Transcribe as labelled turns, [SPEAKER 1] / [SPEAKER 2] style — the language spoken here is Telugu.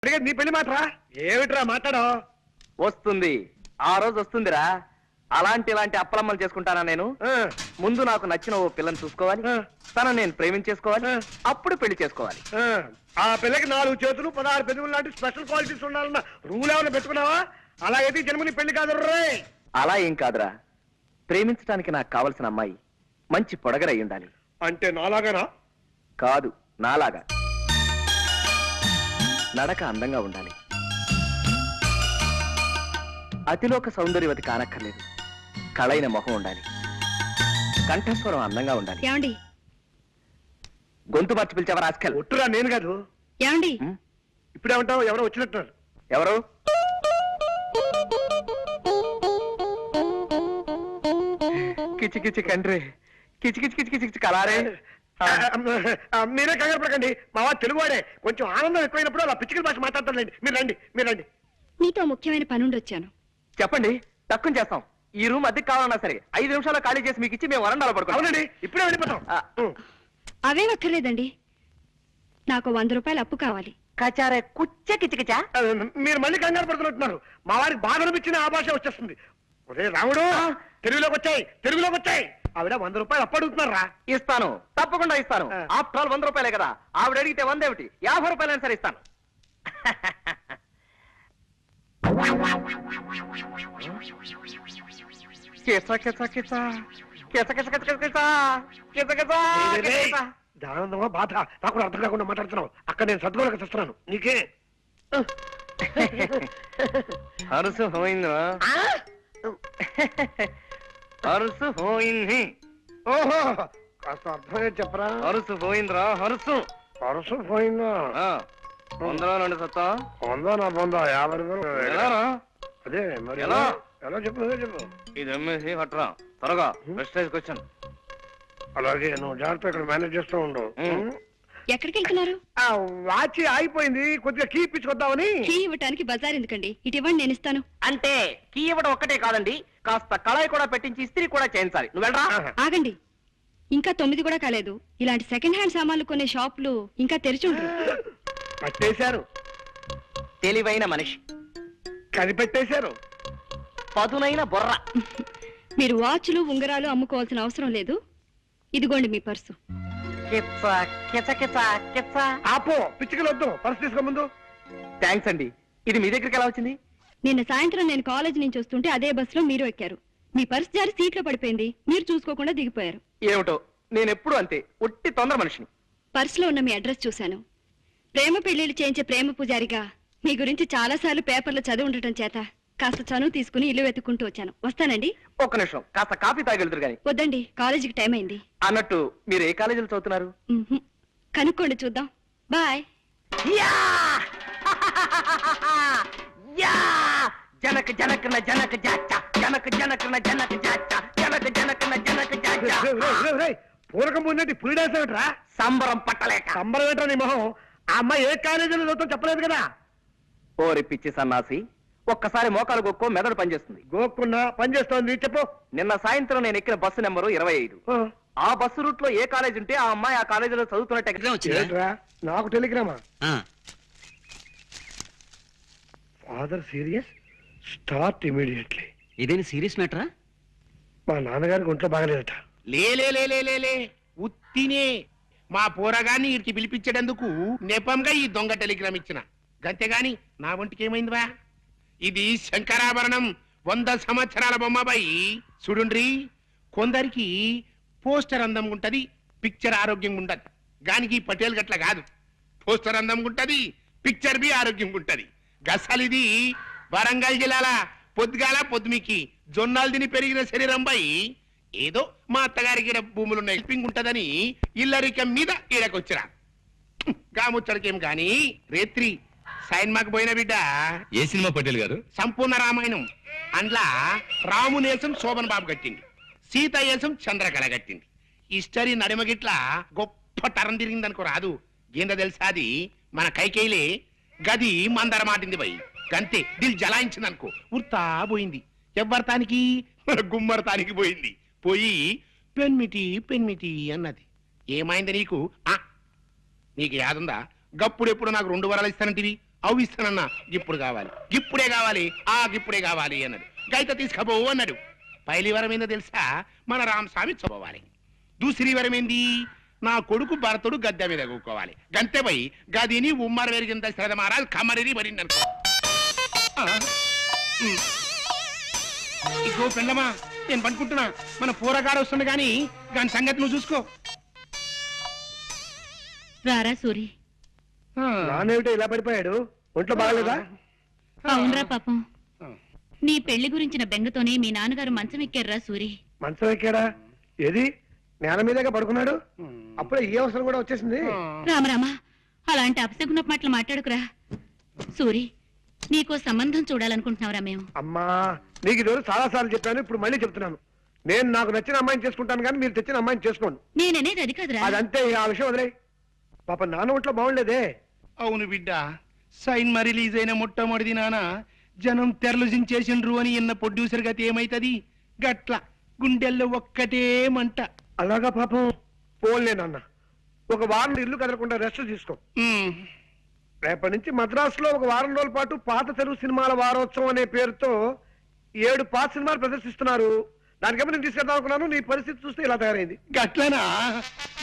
[SPEAKER 1] నీ పెళ్లి మాటరా ఏమిట్రా మాట్లాడో
[SPEAKER 2] వస్తుంది ఆ రోజు వస్తుందిరా ఇలాంటి అప్పలమ్మలు చేసుకుంటానా నేను ముందు నాకు నచ్చిన ఓ పిల్లని చూసుకోవాలి తను నేను ప్రేమించేసుకోవాలి అప్పుడు పెళ్లి చేసుకోవాలి
[SPEAKER 1] ఆ పిల్లకి 4 చేతులు 16 పెదవులు లాంటి స్పెషల్ క్వాలిటీస్ ఉండాలన్న రూల్ ఏమైనా పెట్టుకున్నావా అలా అయితే జన్మని పెళ్లి కాదు రే
[SPEAKER 2] అలా ఏం కాదురా ప్రేమించడానికి నాకు కావలసిన అమ్మాయి మంచి పొడగరై ఉండాలి
[SPEAKER 1] అంటే నాలాగానా
[SPEAKER 2] కాదు నాలాగా నడక అందంగా ఉండాలి అతిలోక సౌందర్యవతి కానక్కర్లేదు కళైన మొహం ఉండాలి కంఠస్వరం అందంగా ఉండాలి
[SPEAKER 3] ఏమండి
[SPEAKER 2] గొంతు మార్చి పిలిచేవారు ఆస్కల్
[SPEAKER 1] ఒట్టురా నేను కాదు
[SPEAKER 3] ఏమండి
[SPEAKER 1] ఇప్పుడేమంటావు ఎవరో వచ్చినట్టున్నారు
[SPEAKER 2] ఎవరు కిచి కిచి కండ్రి కిచి కిచి కిచి కిచి కిచి కలారే
[SPEAKER 1] మీరే కంగారు పడకండి మా వాడు తెలుగువాడే కొంచెం ఆనందం ఎక్కువైనప్పుడు అలా పిచ్చికల భాష మాట్లాడతానండి మీరు రండి
[SPEAKER 3] నీతో ముఖ్యమైన పనుండి వచ్చాను.
[SPEAKER 2] చెప్పండి తక్కువ చేస్తాం ఈ రూమ్ అద్దెకి కావాలన్నా సరే 5 నిమిషాలు ఖాళీ చేసి మీకు ఇచ్చి మేము వరండాలో పడుకోండి
[SPEAKER 1] అవునండి ఇప్పుడే వెళ్ళిపోతాం
[SPEAKER 3] అవే అక్కర్లేదండి, నాకు 100 రూపాయలు అప్పు కావాలి.
[SPEAKER 2] కచారే కుచ్చ కిచకిచా
[SPEAKER 1] మీరు మళ్ళీ కంగారు పడుతున్నట్టున్నారు మా వారికి బాధ అనిపించిన ఆ భాష వచ్చేస్తుంది. ఒరే రాముడు తెలుగులోకి వచ్చాయి ఆవిడ 100 రూపాయలు అప్పు అడుగుతున్నారా
[SPEAKER 2] ఇస్తాను తప్పకుండా ఇస్తాను ఆఫ్టర్ ఆల్ 100 రూపాయలే కదా ఆవిడ అడిగితే 100 ఏమిటి 50 రూపాయలైనా సరే ఇస్తాను
[SPEAKER 1] దానందమా బాధ నాకు అర్థం కాకుండా మాట్లాడుతున్నావు అక్కడ నేను సద్గోళకు తెస్తున్నాను నీకే
[SPEAKER 2] హరుసు పోయిందా హరుసు పోయింది
[SPEAKER 1] ఓహో కాస్త అర్థమే చెప్పరా
[SPEAKER 2] హరుసు పోయిందిరా హరుసు
[SPEAKER 1] పరుసు పోయిందా
[SPEAKER 2] 100 సత్తా
[SPEAKER 1] పొందా నా పొందా 50 రూపాయలు
[SPEAKER 2] ఎలారా
[SPEAKER 1] అదే మరి
[SPEAKER 2] ఎలా
[SPEAKER 1] ఎలా చెప్పు చెప్పు
[SPEAKER 2] ఇది అమ్మేసి కట్టరా త్వరగా ప్రెస్టేజ్కి వచ్చాను
[SPEAKER 1] అలాగే నువ్వు జాగ్రత్త ఇక్కడ మేనేజ్ చేస్తూ ఉండు
[SPEAKER 3] ఎక్కడికి వెళ్తున్నారు?
[SPEAKER 1] వాచి ఆగిపోయింది కొద్దిగా కీ ఇప్పించుకొద్దామని.
[SPEAKER 3] కీ ఇవ్వటానికి బజార్ ఎందుకండి, ఇటు ఇవ్వండి నేను ఇస్తాను.
[SPEAKER 2] అంటే కీ ఇవ్వడం ఒక్కటే కాదండి కాస్త కళాయి కూడా పెట్టించి ఇస్త్రీ కూడా చేయించాలి నువ్వు వెళ్ళరా
[SPEAKER 3] ఆగండి, ఇంకా 9 కూడా కాలేదు. ఇలాంటి సెకండ్ హ్యాండ్ సామాన్లు కొనే షాపులు ఇంకా తెరిచి ఉండరు.
[SPEAKER 1] పట్టేశారు
[SPEAKER 2] తెలివైన మనిషి
[SPEAKER 1] కనిపెట్టేశారు
[SPEAKER 2] పదునైన బొర్ర
[SPEAKER 3] మీరు వాచ్లు ఉంగరాలు అమ్ముకోవాల్సిన అవసరం లేదు. ఇదిగోండి మీ పర్సు.
[SPEAKER 1] ఆపో పిచ్చికలు వద్దు పర్సు తీసుకో ముందు.
[SPEAKER 2] థ్యాంక్స్ అండి. ఇది మీ దగ్గరికి ఎలా వచ్చింది?
[SPEAKER 3] నిన్న సాయంత్రం నేను కాలేజ్ నుంచి వస్తుంటే అదే బస్సులో మీరు ఎక్కారు. మీ పర్సు జారి సీట్లో పడిపోయింది, మీరు చూసుకోకుండా దిగిపోయారు.
[SPEAKER 2] ఏమిటో నేను ఎప్పుడు అంతే ఒట్టి తొందర మనిషిని.
[SPEAKER 3] పర్సులో ఉన్న మీ అడ్రస్ చూశాను. ప్రేమ పెళ్లిళ్ళు చేయించే ప్రేమ పూజారిగా మీ గురించి చాలా సార్లు పేపర్లో చదివి ఉండటం చేత కాస్త చనువు తీసుకుని ఇల్లు వెతుక్కుంటూ వచ్చాను. వస్తానండి.
[SPEAKER 2] ఒక్క నిమిషం కాస్త కాఫీ తాగెళ్తురు గాని.
[SPEAKER 3] వద్దండి, కాలేజీకి టైం అయింది.
[SPEAKER 2] అన్నట్టు మీరు ఏ కాలేజీలో చదువుతున్నారు?
[SPEAKER 3] కనుక్కోండి చూద్దాం. బాయ్.
[SPEAKER 2] జనక జనకన జనక జాచ జనక జనకన జనక జాచ జనక జనకన జనక జాచ
[SPEAKER 1] పూరకం ముందంటే పులి డాన్స్ ఏమిట్రా?
[SPEAKER 2] సంబరం పట్టలేక.
[SPEAKER 1] సంబరం ఏంట్రా నీ మొహం? ఆ అమ్మాయి ఏ కాలేజీలో చదువుతాం చెప్పలేదు కదా.
[SPEAKER 2] ఓరి పిచ్చి సన్నాసి, ఒక్కసారి మోకాలు గొక్కో మెదడు పనిచేస్తుంది.
[SPEAKER 1] గోక్కున్నా పని చేస్తోంది చెప్పు.
[SPEAKER 2] నిన్న సాయంత్రం నేను ఎక్కిన బస్సు నెంబరు 25. ఆ బస్సు రూట్ లో ఏ కాలేజ్ ఉంటే ఆ అమ్మాయి ఆ కాలేజీలో చదువుతున్నట్టు.
[SPEAKER 1] నాకు టెలిగ్రామా? Father serious, start immediately.
[SPEAKER 4] ఇదేని సీరియస్ మ్యాటరా?
[SPEAKER 1] మా నాన్నగారికి ఒంట్లో బాగలేదట.
[SPEAKER 5] లే ఉత్తినే మా పోరగాన్ని ఇడికి పిలిపించేటందుకు నెపంగా ఈ దొంగ టెలిగ్రామ్ ఇచ్చిన గంతేగాని నా ఒంటికి ఏమైందివా? ఇది శంకరాభరణం 100 సంవత్సరాల బొమ్మబాయి. చూడుండ్రి, కొందరికి పోస్టర్ అందం ఉంటది, పిక్చర్ ఆరోగ్యంగా ఉండదు. గానికి పటేల్ గట్ల కాదు, పోస్టర్ అందం ఉంటది, పిక్చర్ బి ఆరోగ్యంగా ఉంటది. గసలిది వరంగల్ జిల్లాల పొద్దుగాల పొద్దుమికి జొన్నాలు తిని పెరిగిన శరీరం బై. ఏదో మా అత్తగారికి భూములున్న హెల్పింగ్ ఉంటదని ఇల్లరికం మీద ఈడకొచ్చిరా. గాముచ్చడికేం గాని రేత్రి సైన్మాకు పోయిన బిడ్డ.
[SPEAKER 4] ఏ సినిమా పటేల్ గారు?
[SPEAKER 5] సంపూర్ణ రామాయణం. అండ్లా రామునేసం శోభన్ బాబు కట్టింది, సీత ఏసం చంద్రకళ కట్టింది. హిస్టరీ నడిమగిట్ల గొప్ప తరం తిరిగిందనుకో రాదు. ఏందో తెలుసా, అది మన కైకేయిలే గది మందర మాటింది బై. గంతే దిల్ జలాయించిందనుకో ఉర్తా పోయింది. ఎవ్వరతానికి గుమ్మరతానికి పోయింది. పోయి పెన్మిటి అన్నది. ఏమైంది నీకు? నీకు యాదుందా? గప్పుడు ఎప్పుడు నాకు 2 వరాలు ఇస్తానంటివి, అవి ఇస్తానన్నా ఇప్పుడు కావాలి ఇప్పుడే కావాలి ఇప్పుడే కావాలి అన్నాడు గైత తీసుకపోవు అన్నాడు పైలి వరం ఏందో తెలుసా మన రామస్వామి చదవాలి దూసరి వరం ఏంది నా కొడుకు భరతుడు గద్దె మీద కూకోవాలి గంతెపై గదిని ఉమ్మర వెరిగింత శ్రద్ధ మహారాజ్ కమరిని మరిందనుకో ఇగో పెండమా నేను పనుకుంటున్నా మన పూరగాడు వస్తుంది గాని దాని సంగతి నువ్వు చూసుకో
[SPEAKER 6] రారా సూరి.
[SPEAKER 1] నానేమిటో ఇలా పడిపోయాడు ఒంట్లో బాగలేదా
[SPEAKER 6] అవునరా పాపం, నీ పెళ్లి గురించిన బెంగతోనే మీ నాన్నగారు మంచం ఎక్కారురా సూరి.
[SPEAKER 1] మంచం ఎక్కాడా ఏది నేల మీదేగా పడుకున్నాడు అప్పుడే ఈ అవసరం కూడా వచ్చేసింది
[SPEAKER 6] రామరామా, అలాంటి అపశకున మాటలు మాట్లాడుకురా. సూరి, నీకో సంబంధం చూడాలనుకుంటున్నావురా మేము.
[SPEAKER 1] అమ్మా నీకు ఈ రోజు చాలా సార్లు చెప్పాను ఇప్పుడు మళ్ళీ చెప్తున్నాను నేను నాకు నచ్చిన అమ్మాయిని చేసుకుంటాను కానీ మీరు తెచ్చిన అమ్మాయిని చేసుకోండి
[SPEAKER 6] నేననేది అది కాదురా.
[SPEAKER 1] అదంతే ఆ విషయం వదిలే పాప నాన్న ఒంట్లో బాగుండేదే
[SPEAKER 5] అవును బిడ్డ సైన్మా రిలీజ్ అయిన మొట్టమొదటి నాన్న జనం తెరలు జించేసిండ్రు అని ఇన్న ప్రొడ్యూసర్ గతి ఏమైతది గట్ల గుండెల్లో ఒక్కటే మంట.
[SPEAKER 1] అలాగా పాపం పోన్లే నాన్న ఒక వారం ఇల్లు కదలకుండా రెస్ట్ తీసుకో రేపటి నుంచి మద్రాసులో ఒక వారం రోజుల పాటు పాత తెలుగు సినిమాల వారోత్సవం అనే పేరుతో 7 పాత సినిమాలు ప్రదర్శిస్తున్నారు దానికేమో నేను తీసుకెళ్దాం అనుకున్నాను నీ పరిస్థితి చూస్తే ఇలా తయారైంది
[SPEAKER 5] గట్లనా